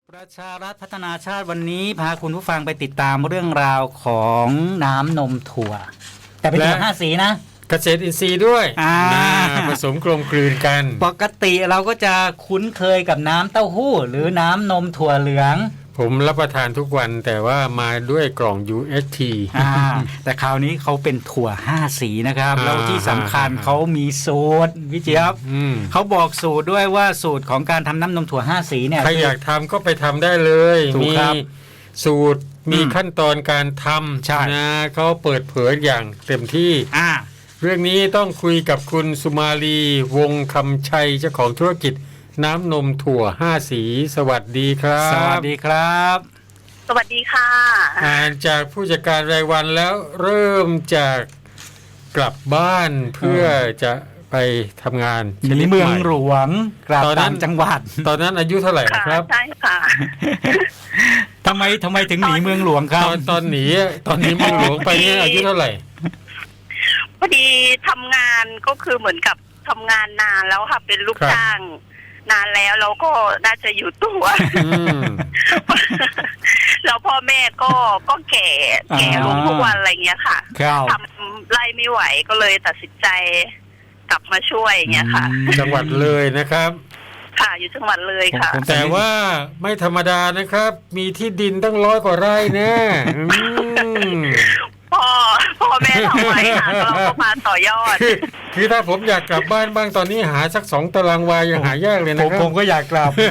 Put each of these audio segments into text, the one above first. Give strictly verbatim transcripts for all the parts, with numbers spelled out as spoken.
ประชารัฐพัฒนาชาติวันนี้พาคุณผู้ฟังไปติดตามเรื่องราวของน้ำนมถั่วแต่เป็นถั่วห้าสีนะเกษตรอินทรีย์ด้วยผสมกลมกลืนกันปกติเราก็จะคุ้นเคยกับน้ำเต้าหู้หรือน้ำนมถั่วเหลืองผมรับประทานทุกวันแต่ว่ามาด้วยกล่อง ยู เอส ทีแต่คราวนี้เขาเป็นถั่วห้าสีนะครับแล้วที่สำคัญเขามีสูตรพี่เจี๊ยบเขาบอกสูตรด้วยว่าสูตรของการทำน้ำนมถั่วห้าสีเนี่ยใครอยากทำก็ไปทำได้เลยมีสูตรมีขั้นตอนการทำนะเขาเปิดเผยอย่างเต็มที่เรื่องนี้ต้องคุยกับคุณสุมาลีวงคำชัยเจ้าของธุรกิจน้ำนมถั่วห้าสีสวัสดีครับสวัสดีครับสวัสดีค่ะอ่านจากผู้จัดการรายวันแล้วเริ่มจากกลับบ้านเพื่อจะไปทำงานหนีเมืองหลวงกลับต่างจังหวัดตอนนั้นอายุเท่าไหร่ครับใช่ค่ะทำไมทำไมถึงหนีเมืองหลวงครับตอนตอนหนีตอนนี้เมืองหลวงไปเนี่ยอายุเท่าไหร่พอดีทำงานก็คือเหมือนกับทำงานนานแล้วค่ะเป็นลูกจ้างนานแล้วเราก็น่าจะอยู่ตัวแล้วพ่อแม่ก็ก็แก่แก่ลงทุกวันอะไรเงี้ยค่ะทำไล่ไม่ไหวก็เลยตัดสินใจกลับมาช่วยเงี้ยค่ะจังหวัดเลยนะครับค่ะอยู่จังหวัดเลยค่ะแต่ว่าไม่ธรรมดานะครับมีที่ดินตั้งร้อยกว่าไร่แน่พ่อพ่อแม่ทำไว้ค่ะเราก็มาต่อยอดคือถ้าผมอยากกลับบ้านบ้างตอนนี้หาสักสองตารางวายังหายากเลยนะครับผมก็อยากกลับ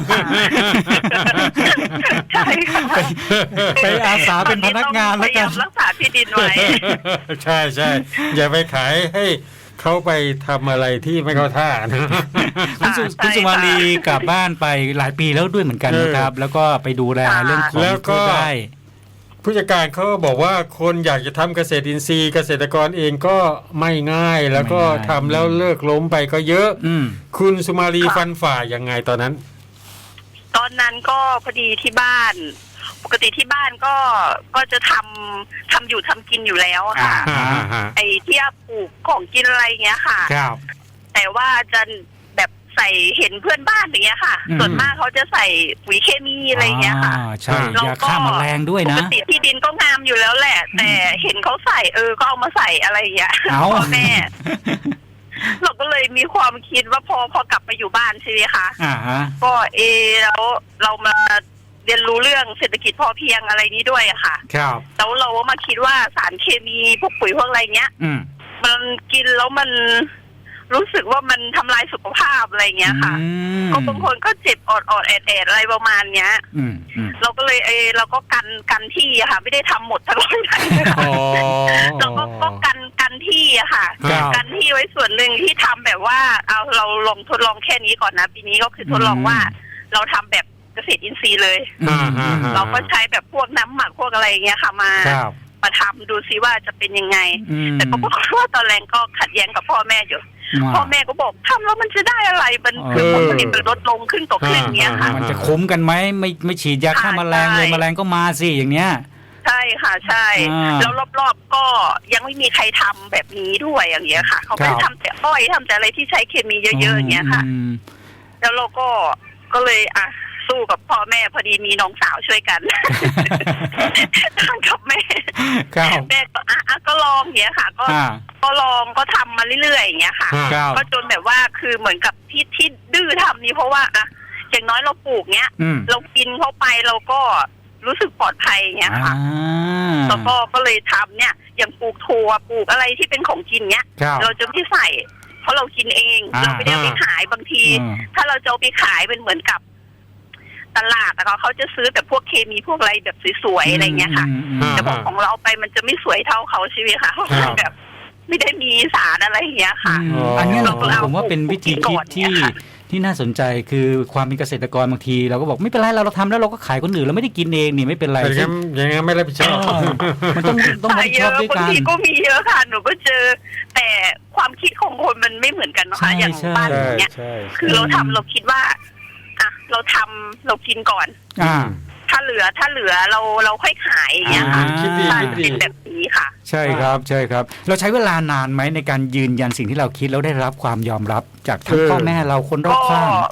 ใช่ค่ะไปอาสาเป็นพนักงานแล้วกันรักษาที่ดินไว้ใช่ใช่อย่าไปขายให้เขาไปทำอะไรที่ไม่เข้าท่านะคุณสุมาลีกลับบ้านไปหลายปีแล้วด้วยเหมือนกันนะครับแล้วก็ไปดูแลเรื่องของพืชได้ผู้จัดการเขาบอกว่าคนอยากจะทำเกษตรอินทรีย์เกษตรกรเองก็ไม่ง่ายแล้วก็ทำแล้วเลิกล้มไปก็เยอะคุณสุมาลีฟันฝ่ายังไงตอนนั้นตอนนั้นก็พอดีที่บ้านปกติที่บ้านก็ก็จะทำทำอยู่ทำกินอยู่แล้วค่ะไอ้ที่ปลูกของกินอะไรเงี้ยค่ะแต่ว่าจะแบบใส่เห็นเพื่อนบ้านอย่างเงี้ยค่ะส่วนมากเขาจะใส่ปุ๋ยเคมีอะไรเงี้ยค่ะใช่ยาฆ่าแมลงด้วยนะปกติที่ดินก็งามอยู่แล้วแหละแต่เห็นเขาใส่เออก็เอามาใส่อะไรอย่างเงี้ยพ่อแม่เราก็เลยมีความคิดว่าพอพอกลับมาอยู่บ้านใช่ไหมคะก็เอแล้วเรามาเรียนรู้เรื่องเศรษฐกิจพอเพียงอะไรนี้ด้วยอะค่ะแล้วเราก็มาคิดว่าสารเคมีพวกปุ๋ยพวกอะไรเงี้ยมันกินแล้วมันรู้สึกว่ามันทำลายสุขภาพอะไรเงี้ยค่ะก็บางคนก็เจ็บอดอดแอดแอดอะไรประมาณเนี้ยเราก็เลยเออเราก็กันกันที่อะค่ะไม่ได้ทำหมดทั้งหมดเราก็ก็กันกันที่อะค่ะกันที่ไว้ส่วนหนึ่งที่ทำแบบว่าเอาเราลองทดลองแค่นี้ก่อนนะปีนี้ก็คือทดลองว่าเราทำแบบเกษตรอินทรีย์เลยเราก็ใช้แบบพวกน้ำหมักพวกอะไรเงี้ยค่ะมามาทำดูซิว่าจะเป็นยังไงแต่ก็บอกว่าตอนแรกก็ขัดแย้งกับพ่อแม่อยู่พ่อแม่ก็บอกทำแล้วมันจะได้อะไรมันคือผลผลิตมันลดลงขึ้นต่อขึ้นเงี้ยค่ะมันจะคุ้มกันไหมไม่ไม่ฉีดยาฆ่าแมลงเลยแมลงก็มาสิอย่างเนี้ยใช่ค่ะใช่แล้วรอบๆก็ยังไม่มีใครทำแบบนี้ด้วยอย่างเงี้ยค่ะเขาไม่ทำแต่อ้อยทำแต่อะไรที่ใช้เคมีเยอะๆอย่างเงี้ยค่ะแล้วเราก็ก็เลยอ่ะสู้กับพ่อแม่พอดีมีน้องสาวช่วยกันทางกับแม่แม่ก็อ่ะก็ลองอย่างเงี้ยค่ะก็ก็ลองก็ทำมาเรื่อยๆอย่างเงี้ยค่ะก็จนแบบว่าคือเหมือนกับที่ที่ดื้อทำนี้เพราะว่าอ่ะอย่างน้อยเราปลูกเงี้ยเรากินเข้าไปเราก็รู้สึกปลอดภัยอย่างเงี้ยค่ะแล้วก็ก็เลยทำเนี่ยอย่างปลูกถั่วปลูกอะไรที่เป็นของกินเงี้ยเราจะไม่ใส่เพราะเรากินเองเราไม่ได้ไปขายบางทีถ้าเราจะเอาไปขายเป็นเหมือนกับตลาดแล้วเขาจะซื้อแต่พวกเคมีพวกอะไรแบบสวยๆอะไรเงี้ยค่ะแต่บอกของเราไปมันจะไม่สวยเท่าเขาใช่ไหมคะแบบไม่ได้มีสารอะไรอย่างเงี้ยค่ะอันนี้ผมว่าเป็นวิธีคิดที่ที่น่าสนใจคือความเป็นเกษตรกรบางทีเราก็บอกไม่เป็นไรเราเราทำแล้วเราก็ขายคนอื่นเราไม่ได้กินเองนี่ไม่เป็นไรยังยังไม่รับผิดชอบมันต้องต้องรับผิดชอบด้วยกันบางทีก็มีเยอะค่ะหนูก็เจอแต่ความคิดของคนมันไม่เหมือนกันนะคะอย่างบ้านเนี้ยคือเราทำเราคิดว่าอ่ะเราทำเรากินก่อนอ่าถ้าเหลือถ้าเหลือเราเราค่อยขายอย่างเงี้ยค่ะคิดดีคิดดีเป็นแบบนี้ค่ะใช่ครับใช่ครับเราใช้เวลานานไหมในการยืนยันสิ่งที่เราคิดแล้วได้รับความยอมรับจากทั้งพ่อแม่เราคนรอบข้าง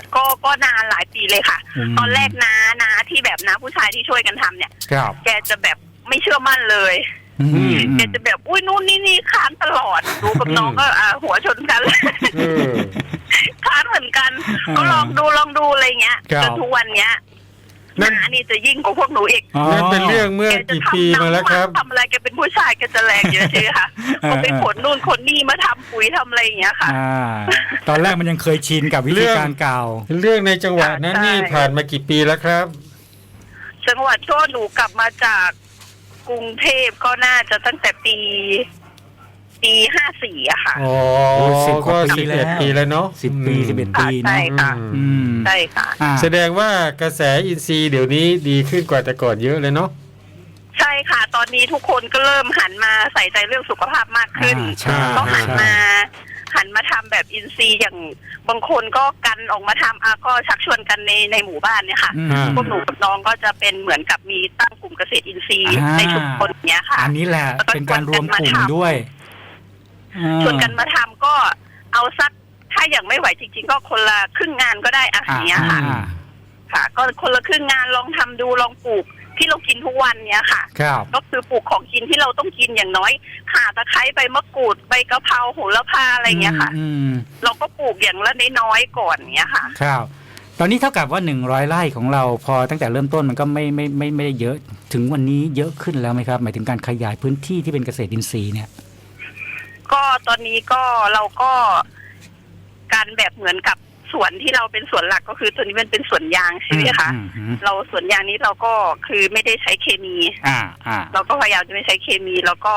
ก็ก็นานหลายปีเลยค่ะตอนแรกน้าน้าที่แบบน้าผู้ชายที่ช่วยกันทำเนี่ยแกจะแบบไม่เชื่อมั่นเลยแกจะแบบอุ้ยนู่นนี่นี่ค้านตลอดดูกับน้องก็อ่าหัวชนกันค้านเหมือนกันก็ลองดูลองดูอะไรเงี้ยจนทุกวันเนี้ยน้านี่จะยิ่งกว่าพวกหนูอีกนั่นเป็นเรื่องเมื่อกี่ปีมาแล้วครับทำอะไรแกเป็นผู้ชายแกจะแรงเยอะใช่ไหมคะก็ไปขนนู่นขนนี่มาทำปุ๋ยทำอะไรอย่างเงี้ยค่ะตอนแรกมันยังเคยชินกับวิธีการเก่าเรื่องในจังหวัดนั้นนี่ผ่านมากี่ปีแล้วครับจังหวัดก็หนูกลับมาจากกรุงเทพก็น่าจะตั้งแต่ปีปีห้าสี่อะค่ะอ๋อสิบก็สิบเอ็ดปีแล้วเนาะสิบปีสิบเอ็ดปีใช่ค่ะใช่ค่ะแสดงว่ากระแสอินทรีย์เดี๋ยวนี้ดีขึ้นกว่าแต่ก่อนเยอะเลยเนาะใช่ค่ะตอนนี้ทุกคนก็เริ่มหันมาใส่ใจเรื่องสุขภาพมากขึ้นก็หันมาหันมาทำแบบอินทรีย์อย่างบางคนก็กันออกมาทำอ่ะก็ชักชวนกันในในหมู่บ้านเนี่ยค่ะพวกหนูกับน้องก็จะเป็นเหมือนกับมีตั้งกลุ่มเกษตรอินทรีย์ในชุมชนเนี้ยค่ะอันนี้แหละเป็นการรวมกลุ่มด้วยชวนกันมาทำก็เอาสักถ้าอย่างไม่ไหวจริงๆก็คนละครึ่งงานก็ได้อ่ะอย่างเงี้ยค่ะค่ะก็คนละครึ่งงานลองทำดูลองปลูกที่เรากินทุกวันเนี้ยค่ะก็คือปลูกของกินที่เราต้องกินอย่างน้อยข่าตะไคร้ใบมะกรูดใบกะเพราโหระพาอะไรเงี้ยค่ะเราก็ปลูกอย่างละน้อยๆก่อนเนี้ยค่ะครับตอนนี้เท่ากับว่าหนึ่งร้อยไร่ของเราพอตั้งแต่เริ่มต้นมันก็ไม่ไม่ไม่ไม่ได้เยอะถึงวันนี้เยอะขึ้นแล้วไหมครับหมายถึงการขยายพื้นที่ที่เป็นเกษตรอินทรีย์เนี่ยก็ตอนนี้ก็เราก็การแบบเหมือนกับสวนที่เราเป็นสวนหลักก็คือตัวนี้มันเป็นสวนยางใช่ไหมคะเราสวนยางนี้เราก็คือไม่ได้ใช้เคมีอ่าอ่าเราก็พยายามจะไม่ใช้เคมีแล้วก็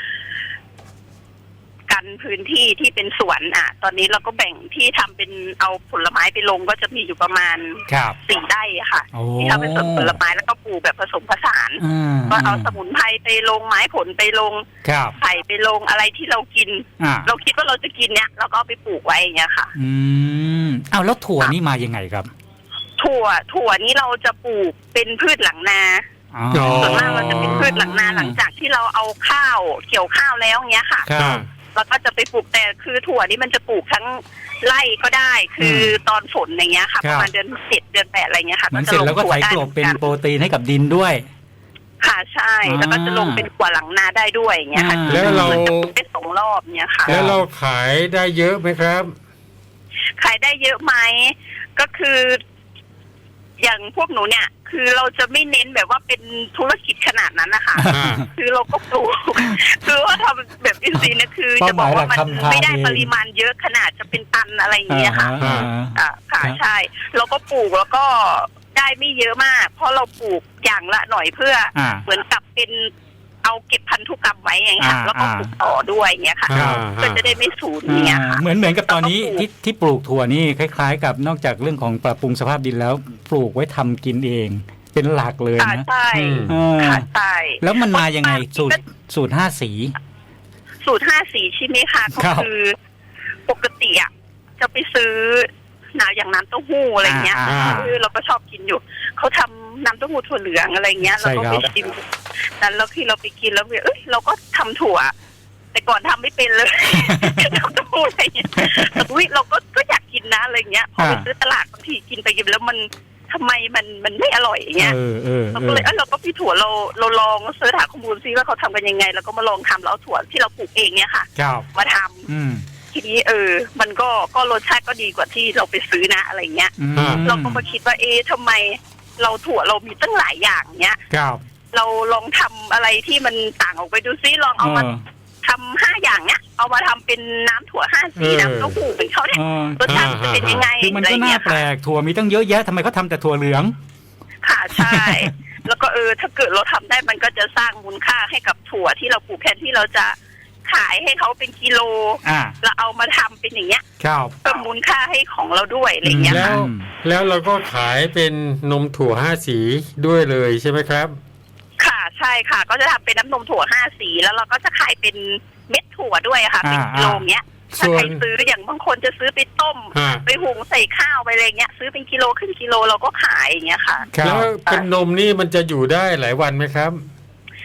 กันพื้นที่ที่เป็นสวนอ่ะตอนนี้เราก็แบ่งที่ทำเป็นเอาผลไม้ไปลงก็จะมีอยู่ประมาณสี่ไร่ค่ะที่ทำเป็นสวนผลไม้แล้วก็ปลูกแบบผสมผสานก็เอาสมุนไพรไปลงไม้ผลไปลงไผ่ไปลงอะไรที่เรากินเราคิดว่าเราจะกินเนี้ยเราก็เอาไปปลูกไว้อย่างเงี้ยค่ะอืมเอาแล้วถั่วนี่มายังไงครับถั่วถั่วนี้เราจะปลูกเป็นพืชหลังนาส่วนมากเราจะเป็นพืชหลังนาหลังจากที่เราเอาข้าวเกี่ยวข้าวแล้วเงี้ยค่ะแล้วก็จะไปปลูกแต่คือถั่วนี่มันจะปลูกทั้งไร่ก็ได้คือตอนฝนอย่างเงี้ยค่ะประมาณเดือนเจ็ดเดือนแปดอะไรเงี้ยค่ะมันเสร็จแล้วก็ไถกลบเป็นโปรตีนให้กับดินด้วยค่ะใช่แล้วก็จะลงเป็นถั่วหลังนาได้ด้วยอย่างเงี้ยค่ะแล้วเราได้สองรอบเนี้ยค่ะแล้วเราขายได้เยอะไหมครับขายได้เยอะไหมก็คืออย่างพวกหนูเนี่ยคือเราจะไม่เน้นแบบว่าเป็นธุรกิจขนาดนั้นนะคะคือเราก็ปลูกคือว่าทำแบบอินทรีย์เนี่ยคือจะบอกว่ามันไม่ได้ปริมาณเยอะขนาดจะเป็นตันอะไรอย่างเงี้ยค่ะอ่าค่ะใช่เราก็ปลูกแล้วก็ได้ไม่เยอะมากเพราะเราปลูกอย่างละหน่อยเพื่อเหมือนกับเป็นเอาเก็บพันธุกรรมไว้อย่างเงี้ยแล้วก็ปลูกต่อด้วยอย่างเงี้ยค่ะก็จะได้ไม่สูญอย่างเงี้ยค่ะเหมือนเหมือนกับตอนนี้ที่ที่ปลูกถั่วนี่คล้ายๆกับนอกจากเรื่องของปรับปรุงสภาพดินแล้วปลูกไว้ทำกินเองเป็นหลักเลยนะใช่ค่ะใช่แล้วมันมายังไงสูตรสูตรห้าสีสูตรห้าสีใช่ไหมคะก็คือปกติอ่ะจะไปซื้อหนาอย่างน้ำเต้าหู้อะไรเงี้ยคือเราก็ชอบกินอยู่เขาทำน้ำเต้าหู้ถั่วเหลืองอะไรเงี้ยเราก็ไปชิมนั้นแล้วที่เราไปกินแล้วเอ้ยเราก็ทำถั่วแต่ก่อนทำไม่เป็นเลยน้ำเต้าหู้อะไรเงี้ยแต่อุ้ยเราก็ก็อยากกินนะอะไรเงี้ยพอไปซื้อตลาดบางทีกินไปกินแล้วมันทำไมมันมันไม่อร่อยอย่างเงี้ยเราก็เลยเออเราก็พี่ถั่วเราเราลองเสิร์ชหาข้อมูลซิว่าเขาทำกันยังไงแล้วก็มาลองทำแล้วเอาถั่วที่เราปลูกเองเนี่ยค่ะมาทำทีนี้เออมันก็ก็รสชาติก็ดีกว่าที่เราไปซื้อนะอะไรเงี้ยเราก็มาคิดว่าเอ๊ะทำไมเราถั่วเรามีตั้งหลายอย่างเนี้ยเราลองทำอะไรที่มันต่างออกไปดูซิลองเอามาทำห้าอย่างเนี้ยเอามาทำเป็นน้ำถั่วห้าสีน้ำเต้าหู้เป็นเขาเนี่ยรสชาติจะเป็นยังไงคือมันก็น่าแปลกถั่วมีตั้งเยอะแยะทำไมเขาทาแต่ถั่วเหลืองค่ะใช่แล้วก็เออถ้าเกิดเราทำได้มันก็จะสร้างมูลค่าให้กับถั่วที่เราปลูกแทนที่เราจะขายให้เขาเป็นกิโลแล้วเอามาทำเป็นอย่างเงี้ยเพิ่มมูลค่าให้ของเราด้วยอะไรเงี้ยแล้วแล้วเราก็ขายเป็นนมถั่วห้าสีด้วยเลยใช่ไหมครับค่ะใช่ค่ะก็จะทำเป็นน้ำนมถั่วห้าสีแล้วเราก็จะขายเป็นเม็ดถั่วด้วยค่ะเป็นกิโลเงี้ยถ้าใครซื้ออย่างบางคนจะซื้อไปต้มไปหุงใส่ข้าวไปอะไรเงี้ยซื้อเป็นกิโลขึ้นกิโลเราก็ขายอย่างเงี้ยค่ะแล้วเป็นนมนี่มันจะอยู่ได้หลายวันไหมครับ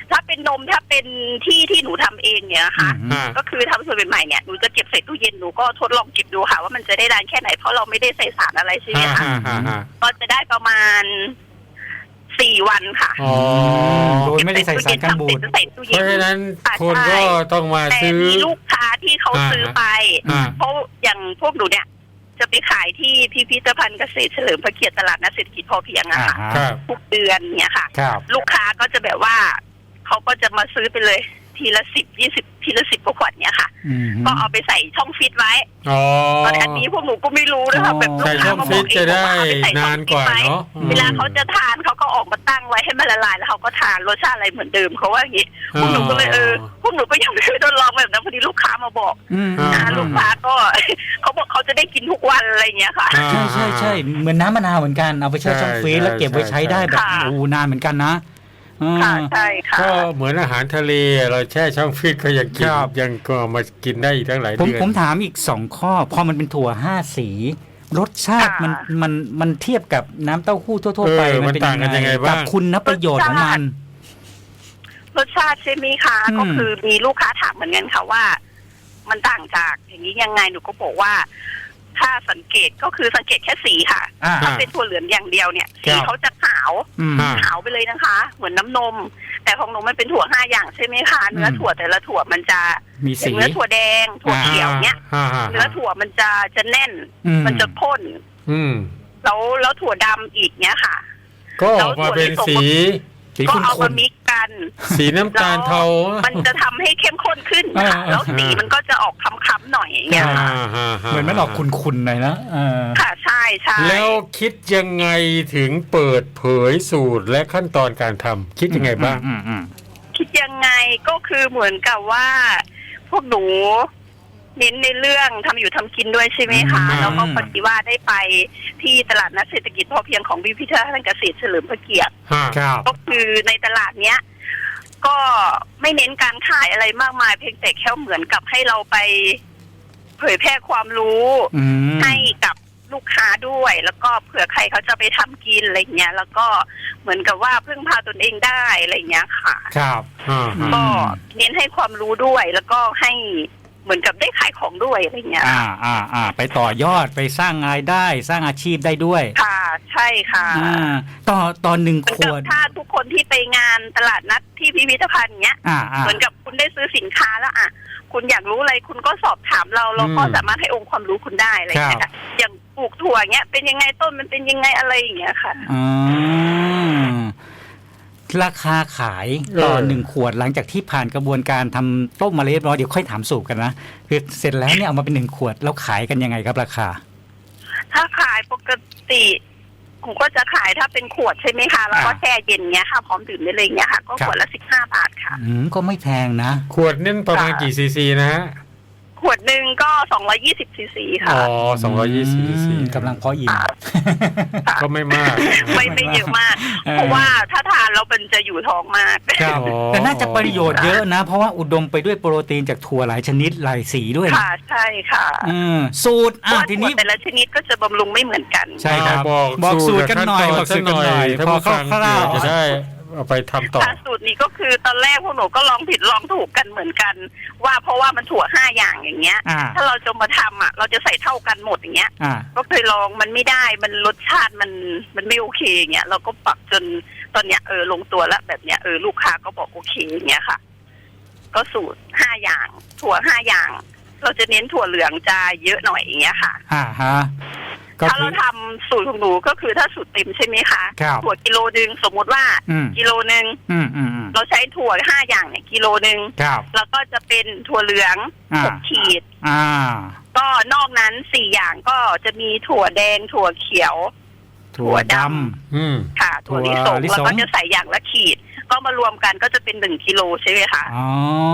ถ้าเป็นนมถ้าเป็นที่ที่หนูทำเองเนี่ยค่ะก็คือทำสูตรใหม่เนี่ยหนูจะเก็บใส่ตู้เย็นหนูก็ทดลองเก็บดูค่ะว่ามันจะได้นานแค่ไหนเพราะเราไม่ได้ใส่สารอะไรใช่ไหมคะก็จะได้ประมาณสี่วันค่ะโดยไม่ได้ใส่สารกันบูดเพราะฉะนั้นคนก็ต้องมาซื้อแต่มีลูกค้าที่เขาซื้อไปเพราะอย่างพวกหนูเนี่ยจะไปขายที่พิพิธภัณฑ์เกษตรเฉลิมพระเกียรติตลาดนัดเศรษฐกิจพอเพียงอะค่ะทุกเดือนเนี่ยค่ะลูกค้าก็จะแบบว่าเขาก็จะมาซื้อไปเลยทีละสิบยี่สิบทีละสิบกว่าขวดเนี่ยค่ะก็เอาไปใส่ช่องฟิตไว้ตอนอันนี้พวกหนูก็ไม่รู้นะคะแบบลูกค้ามาบอกเองว่าเอาไปใส่ช่องฟิตไว้เวลาเขาจะทานเขาก็ออกมาตั้งไว้ให้มันละลายแล้วเขาก็ทานรสชาติอะไรเหมือนเดิมเขาว่าอย่างนี้พวกหนูก็เลยเออพวกหนูก็ยังไม่ได้ทดลองแบบนั้นพอดีลูกค้ามาบอกลูกค้าก็เขาบอกเขาจะได้กินทุกวันอะไรเงี้ยค่ะใช่ใช่ใช่เหมือนน้ำมะนาวเหมือนกันเอาไปแช่ช่องฟิตแล้วเก็บไว้ใช้ได้แบบโอ้นานเหมือนกันนะค่ะใช่ค่ะก็เหมือนอาหารทะเลเราแช่ช่องฟรีซก็ยังกินยังก็มากินได้อีกทั้งหลายเดือนผมถามอีกสองข้อพอมันเป็นถั่วห้าสีรสชาติมันมันมันเทียบกับน้ำเต้าหู้ทั่วๆไปมันเป็นยังไงกับคุณประโยชน์ของมันรสชาติใช่ไหมคะก็คือมีลูกค้าถามเหมือนกันค่ะว่ามันต่างจากอย่างนี้ยังไงหนูก็บอกว่าถ้าสังเกตก็คือสังเกตแค่สีค่ะถ้าเป็นถั่วเหลืองอย่างเดียวเนี่ยสีเขาจะขาวขาวไปเลยนะคะเหมือนน้ำนมแต่ของหนูมันเป็นถั่วห้าอย่างใช่ไหมคะเนื้อถั่วแต่ละถั่วมันจะมีสีเนื้อถั่วแดงถั่วเขียวเนี้ยเนื้อถั่วมันจะจะแน่นมันจะข้นแล้วแล้วถั่วดำอีกเนี้ยค่ะก็ออกมาเป็นสีก็เอามามิกกันสีน้ำตาลเทามันจะทำให้เข้มข้นขึ้นค่ะแล้วสีมันก็จะออกค้ำๆหน่อยอย่างเงี้ยค่ะเหมือนมันออกขุ่นๆหน่อยนะค่ะใช่ใช่แล้วคิดยังไงถึงเปิดเผยสูตรและขั้นตอนการทำคิดยังไงบ้างคิดยังไงก็คือเหมือนกับว่าพวกหนูเน้นในเรื่องทำอยู่ทำกินด้วยใช่ไหมคะแล้วก็พอดีว่าได้ไปที่ตลาดนัดเศรษฐกิจพอเพียงของพิพิธภัณฑ์เกษตรเฉลิมพระเกียรติก็คือในตลาดเนี้ยก็ไม่เน้นการขายอะไรมากมายเพียงแต่แค่เหมือนกับให้เราไปเผยแพร่ความรู้ให้กับลูกค้าด้วยแล้วก็เผื่อใครเขาจะไปทำกินอะไรเงี้ยแล้วก็เหมือนกับว่าพึ่งพาตนเองได้อะไรเงี้ยค่ะครับก็เน้นให้ความรู้ด้วยแล้วก็ให้เหมือนกับได้ขายของด้วยอะไรเงี้ยอ่าอ่าอ่าไปต่อยอดไปสร้างรายได้สร้างอาชีพได้ด้วยค่ะใช่ค่ะอ่าต่อตอนหนึ่งขวดถ้าทุกคนที่ไปงานตลาดนัดที่พิพิธภัณฑ์เนี้ยเหมือนกับคุณได้ซื้อสินค้าแล้วอ่ะคุณอยากรู้อะไรคุณก็สอบถามเราเราก็สามารถให้องค์ความรู้คุณได้อะไรเงี้ยค่ะอย่างปลูกถั่วเงี้ยเป็นยังไงต้นมันเป็นยังไงอะไรอย่างเงี้ยค่ะอืมราคาขายต่อหนึ่งขวดหลังจากที่ผ่านกระบวนการทำต้มมาเรียบร้อยเดี๋ยวค่อยถามสูตรกันนะคือเสร็จแล้วเนี่ยเอามาเป็นหนึ่งขวดแล้วขายกันยังไงครับราคาถ้าขายปกติผมก็จะขายถ้าเป็นขวดใช่ไหมคะแล้วก็แช่เย็นเงี้ยค่ะพร้อมดื่มได้เลยเงี้ยค่ะก็ขวดละสิบห้าบาทค่ะอืมก็ไม่แพงนะขวดนี่ประมาณกี่ซีซีนะฮะขวดหนึ่งก็สองร้อยยี่สิบซีซีค่ะอ๋อสองร้อยยี่สิบซีซีกำลังพออิ่มก็ไม่มากไม่ไม่เยอะมากเพราะว่าถ้าทานแล้วมันจะอยู่ท้องมากแต่น่าจะประโยชน์เยอะนะเพราะว่าอุดมไปด้วยโปรตีนจากถั่วหลายชนิดหลายสีด้วยค่ะใช่ค่ะสูตรอ่ะทีนี้แต่ละชนิดก็จะบำรุงไม่เหมือนกันใช่ครับบอกสูตรกันหน่อยบอกสูตรกันหน่อยพอคร่าวๆจะได้เอาไปทำต่อสูตรนี้ก็คือตอนแรกพวกหนูก็ลองผิดลองถูกกันเหมือนกันว่าเพราะว่ามันถั่วห้าอย่างอย่างเงี้ยถ้าเราจะมาทำอ่ะเราจะใส่เท่ากันหมดอย่างเงี้ยก็เคยลองมันไม่ได้มันรสชาติมันมันไม่โอเคอย่างเงี้ยเราก็ปรับจนตอนเนี้ยเออลงตัวแล้วแบบเนี้ยเออลูกค้าก็บอกโอเคอย่างเงี้ยค่ะก็สูตรห้าอย่างถั่วห้าอย่างเราจะเน้นถั่วเหลืองจะเยอะหน่อยอย่างเงี้ยค่ะอ่าฮะถ้าเราทำสูตรของหนูก็คือถ้าสูตรเต็มใช่ไหมคะถั่วกิโลนึงสมมติว่ากิโลนึงเราใช้ถั่วห้าอย่างเนี่ยกิโลนึงแล้วก็จะเป็นถั่วเหลืองหกขีดก็นอกนั้นสี่อย่างก็จะมีถั่วแดงถั่วเขียวถั่วดำค่ะถั่วลิสงแล้วก็จะใส่อย่างละขีดก็มารวมกันก็จะเป็นหนึ่งกิโลใช่ไหมคะอ๋อ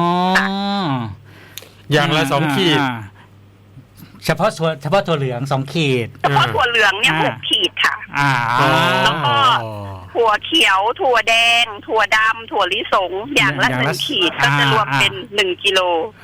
อย่างละสองขีดเฉพาะส่วนเฉพาะถั่วเหลืองสองขีดเฉพาะถั่วเหลืองเนี่ยหกขีดค่ะอ่าแล้วก็ถั่วเขียวถั่วแดงถั่วดำถั่วลิสงอย่างละหนึ่งขีดก็จะรวมเป็นหนึ่งกิโล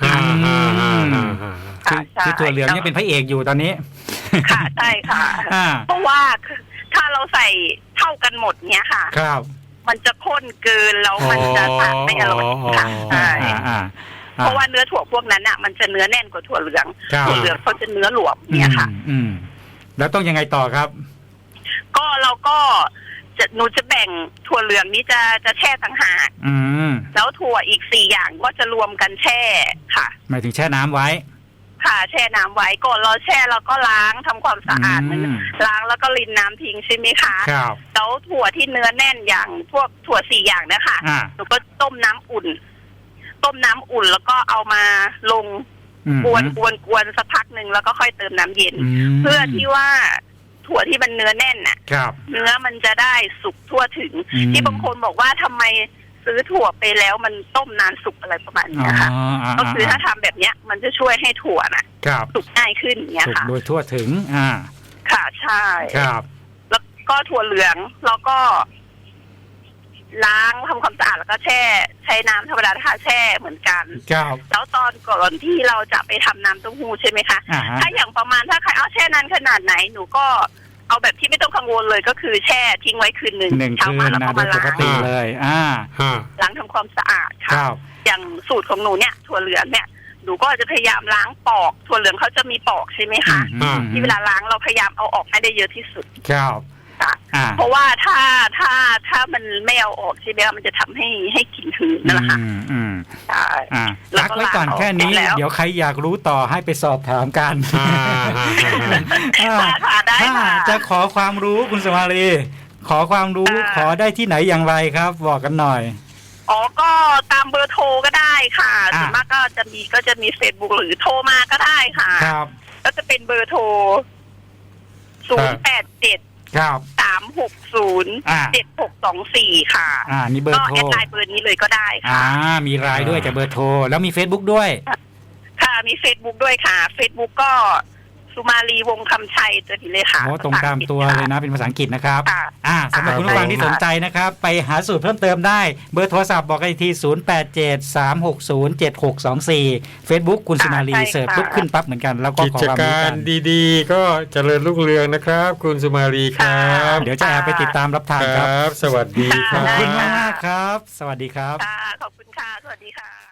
คือถั่วเหลืองเนี่ยเป็นพระเอกอยู่ตอนนี้ค่ะใช่ค่ะเพราะว่าถ้าเราใส่เท่ากันหมดเนี่ยค่ะครับมันจะข้นเกินแล้วมันจะทานไม่อร่อยค่ะใช่เพราะว่าเนื้อถั่วพวกนั้นอ่ะมันจะเนื้อแน่นกว่าถั่วเหลืองถั่วเหลืองเขาจะเนื้อหลวมเนี่ยค่ะอืมแล้วต้องยังไงต่อครับก็เราก็จะหนูจะแบ่งถั่วเหลืองนี้จะจะแช่ต่างหากแล้วถั่วอีกสี่อย่างก็จะรวมกันแช่ค่ะหมายถึงแช่น้ำไว้ค่ะแช่น้ำไว้ก่อนเราแช่เราก็ล้างทำความสะอาดมันล้างแล้วก็รินน้ำทิ้งใช่ไหมคะครับแล้วถั่วที่เนื้อแน่นอย่างพวกถั่วสี่อย่างนะคะหนูก็ต้มน้ำอุ่นต้มน้ำอุ่นแล้วก็เอามาลงกวนกวนกวนสักพักหนึ่งแล้วก็ค่อยเติมน้ำเย็นเพื่อที่ว่าถั่วที่มันเนื้อแน่นน่ะเนื้อมันจะได้สุกทั่วถึงที่บางคนบอกว่าทำไมซื้อถั่วไปแล้วมันต้มนานสุกอะไรประมาณนี้ค่ะก็คือถ้าทำแบบเนี้ยมันจะช่วยให้ถั่วน่ะสุกง่ายขึ้นอย่างเงี้ยค่ะโดยทั่วถึงอ่าค่ะใช่ครับแล้วก็ถั่วเหลืองแล้วก็ล้างทำความสะอาดแล้วก็แช่ใช้น้ำธรรมดาค่ะแช่เหมือนกันแล้วตอนก่อนที่เราจะไปทำน้ำเต้าหู้ใช่ไหมคะถ้าอย่างประมาณถ้าใครเอาแช่นานขนาดไหนหนูก็เอาแบบที่ไม่ต้องกังวลเลยก็คือแช่ทิ้งไว้คืนหนึ่งเช้ามาแล้วก็มาล้างเลยอ่าล้างทำความสะอาดค่ะอย่างสูตรของหนูเนี่ยถั่วเหลืองเนี่ยหนูก็จะพยายามล้างปอกถั่วเหลืองเขาจะมีปอกใช่ไหมคะที่เวลาล้างเราพยายามเอาออกให้ได้เยอะที่สุดครับเพราะว่าถ้าถ้าถ้ามันไม่เอาออกใช่ไหมมันจะทำให้ให้กลิ่นหืนนั่นแหละค่ะใช่รักไว้ก่อนแค่นี้เดี๋ยวใครอยากรู้ต่อให้ไปสอบถามกันถ้าจะขอความรู้คุณสมาลีขอความรู้ขอได้ที่ไหนอย่างไรครับบอกกันหน่อยอ๋อก็ตามเบอร์โทรก็ได้ค่ะส่วนมากก็จะมีก็จะมี Facebook หรือโทรมาก็ได้ค่ะครับก็จะเป็นเบอร์โทรศูนย์ แปด เจ็ดครับสามหกศูนย์เจ็ดหกสองสี่ค่ะอ่านี่เบอร์โทรก็แอดไลน์เบอร์นี้เลยก็ได้ค่ะอ่ามีไลน์ด้วยแต่เบอร์โทรแล้วมี Facebook ด้วยค่ะมี Facebook ด้วยค่ะ Facebook ก็สุมาลีวงคำชัยตัวนี้เลยค่ะโอ้ตรงตามตัวเลยนะเป็นภาษาอังกฤษนะครับอ่าสำหรับคุณผู้ฟังที่สนใจนะครับไปหาสูตรเพิ่มเติมได้เบอร์โทรศัพท์บอกกันอีกทีศูนย์ แปด เจ็ด สามหกศูนย์ เจ็ดหกสองสี่ Facebook คุณสุมาลีเสิร์ชปุ๊บขึ้นปั๊บเหมือนกันแล้วก็กิจการดีๆก็เจริญรุ่งเรืองนะครับคุณสุมาลีครับเดี๋ยวจะแอบไปติดตามรับทานครับสวัสดีครับขอบคุณมากครับสวัสดีครับขอบคุณค่ะสวัสดีค่ะ